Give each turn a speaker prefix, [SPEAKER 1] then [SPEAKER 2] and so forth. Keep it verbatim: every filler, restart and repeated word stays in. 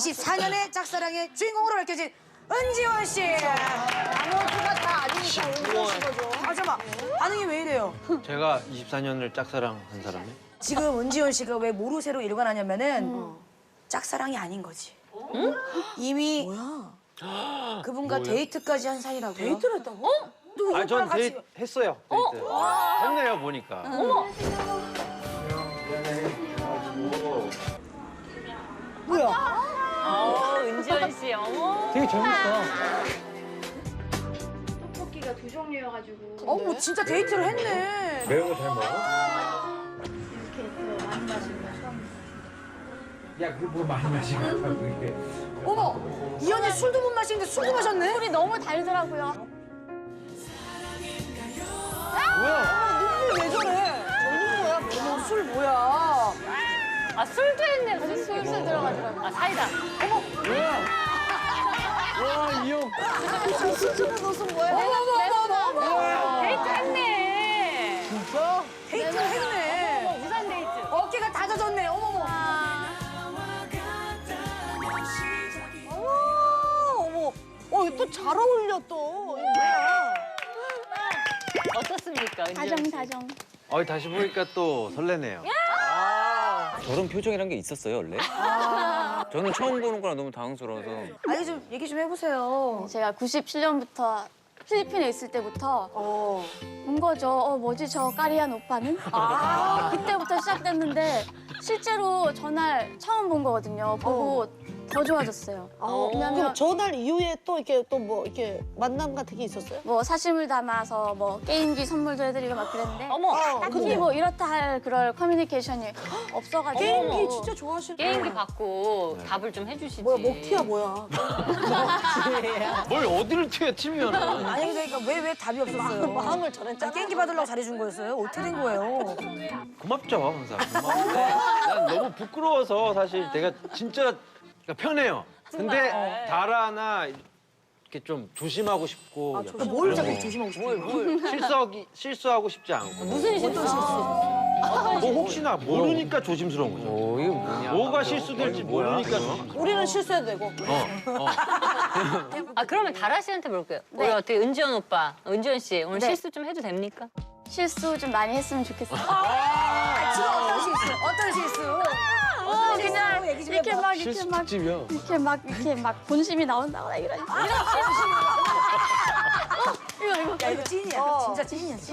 [SPEAKER 1] 이십사 년의 짝사랑의 주인공으로 밝혀진 은지원 씨.
[SPEAKER 2] 나머지가 다 아니니까 은지원 씨 거죠.
[SPEAKER 1] 아 잠깐 반응이 왜 이래요?
[SPEAKER 3] 제가 이십사 년을 짝사랑한 사람이?
[SPEAKER 1] 지금 은지원 씨가 왜 모르쇠로 일관하냐면은 짝사랑이 아닌 거지. 응? 이미
[SPEAKER 2] 뭐야?
[SPEAKER 1] 그분과
[SPEAKER 3] 뭐야?
[SPEAKER 1] 데이트까지 한 사이라고요.
[SPEAKER 2] 데이트를 했다고?
[SPEAKER 1] 또
[SPEAKER 3] 아니, 전
[SPEAKER 1] 오빠랑 같이
[SPEAKER 3] 데이트 했어요. 데이트. 했네요, 보니까.
[SPEAKER 2] 뭐야?
[SPEAKER 4] 어, 은지원 씨, 어머.
[SPEAKER 3] 되게 젊었어.
[SPEAKER 5] 떡볶이가 두 종류여가지고
[SPEAKER 1] 어머 진짜 데이트를 했네.
[SPEAKER 3] 매운 거 잘 먹어?
[SPEAKER 5] 이렇게 더 많이 마시고 처음
[SPEAKER 6] 야, 그거 뭐 많이 마시는 거야, 그게.
[SPEAKER 1] 어머 이 언니 술도 못 마시는데 술도 마셨네.
[SPEAKER 4] 술이 너무 달더라고요.
[SPEAKER 3] 뭐야?
[SPEAKER 1] 왜 저래? 젊은 거야? 어머 술 뭐야?
[SPEAKER 4] 아, 술도 했네. 술, 술술 들어가더라고. 아, 사이다.
[SPEAKER 3] 와, 이 형.
[SPEAKER 2] 술집에 넣어서 뭐야?
[SPEAKER 1] 어머 어머 어머 어머.
[SPEAKER 4] 데이트 했네.
[SPEAKER 3] 진짜?
[SPEAKER 1] 데이트를 했네.
[SPEAKER 4] 어머, 우산 데이트.
[SPEAKER 1] 어깨가 다 젖었네. 어머머.
[SPEAKER 2] 어머, 어머, 또 잘 어울려 또. 이거 뭐야?
[SPEAKER 4] 어떻습니까, 은지원
[SPEAKER 5] 다정
[SPEAKER 4] 씨?
[SPEAKER 5] 다정
[SPEAKER 3] 어, 다시 보니까 또 설레네요.
[SPEAKER 7] 저런 표정이란 게 있었어요, 원래? 저는 처음 보는 거라 너무 당황스러워서.
[SPEAKER 1] 아니 좀 얘기 좀 해보세요.
[SPEAKER 5] 제가 구십칠 년부터 필리핀에 있을 때부터
[SPEAKER 2] 어.
[SPEAKER 5] 본 거죠. 어 뭐지 저 까리한 오빠는? 아 그때부터 시작됐는데 실제로 전날 처음 본 거거든요. 보고 더 좋아졌어요.
[SPEAKER 2] 아,
[SPEAKER 5] 왜냐면
[SPEAKER 2] 그럼 전날 이후에 또 이렇게 또 뭐 이렇게 만남 같은 게 있었어요?
[SPEAKER 5] 뭐 사심을 담아서 뭐 게임기 선물도 해드리고 막 그랬는데
[SPEAKER 4] 어머,
[SPEAKER 5] 딱히
[SPEAKER 2] 근데?
[SPEAKER 5] 뭐 이렇다 할 그럴 커뮤니케이션이 없어가지고
[SPEAKER 2] 게임기 진짜 좋아하시는
[SPEAKER 4] 게임기 받고 답을 좀 해주시지.
[SPEAKER 2] 뭐야, 먹튀야 뭐야?
[SPEAKER 3] 뭘 어디를 튀어, 튀면은.
[SPEAKER 1] 아니 그러니까 왜 왜 답이 없었어요?
[SPEAKER 2] 마음을 전했잖아.
[SPEAKER 1] 깽기 받으려고 잘해준 거였어요? 어떻게 된 거예요?
[SPEAKER 3] 고맙죠, 항상. 고마운데 난 너무 부끄러워서 사실 내가 진짜 편해요. 근데 다라나 이렇게 좀 조심하고 싶고.
[SPEAKER 1] 아, 조심. 뭘 자꾸 조심하고 싶어요?
[SPEAKER 3] 실수하기, 실수하고 싶지 않고.
[SPEAKER 4] 무슨 실수?
[SPEAKER 3] 뭐 혹시나 모르니까 조심스러운 거죠.
[SPEAKER 7] 오, 이게 뭐냐?
[SPEAKER 3] 뭐가 실수될지 모르니까 조심스러운
[SPEAKER 2] 우리는 실수해도 되고.
[SPEAKER 3] 거. 어, 어.
[SPEAKER 4] 아, 그러면 다라 씨한테 물을게요.
[SPEAKER 5] 네.
[SPEAKER 4] 우리 어떻게 은지원 오빠, 은지원 씨 오늘
[SPEAKER 5] 네.
[SPEAKER 4] 실수 좀 해도 됩니까?
[SPEAKER 5] 실수 좀 많이 했으면 좋겠어요.
[SPEAKER 1] 아, 지금 어떤 실수? 어떤 실수?
[SPEAKER 5] 어, 그냥
[SPEAKER 1] 얘기 좀
[SPEAKER 5] 이렇게
[SPEAKER 1] 해봐.
[SPEAKER 5] 막 이렇게 막
[SPEAKER 3] 특집이야.
[SPEAKER 5] 이렇게 막 이렇게 막 본심이 나온다거나 이런 이런 실수. 어, 이거 이거
[SPEAKER 1] 야 이거 찐이야. 진짜 찐이야. 찐.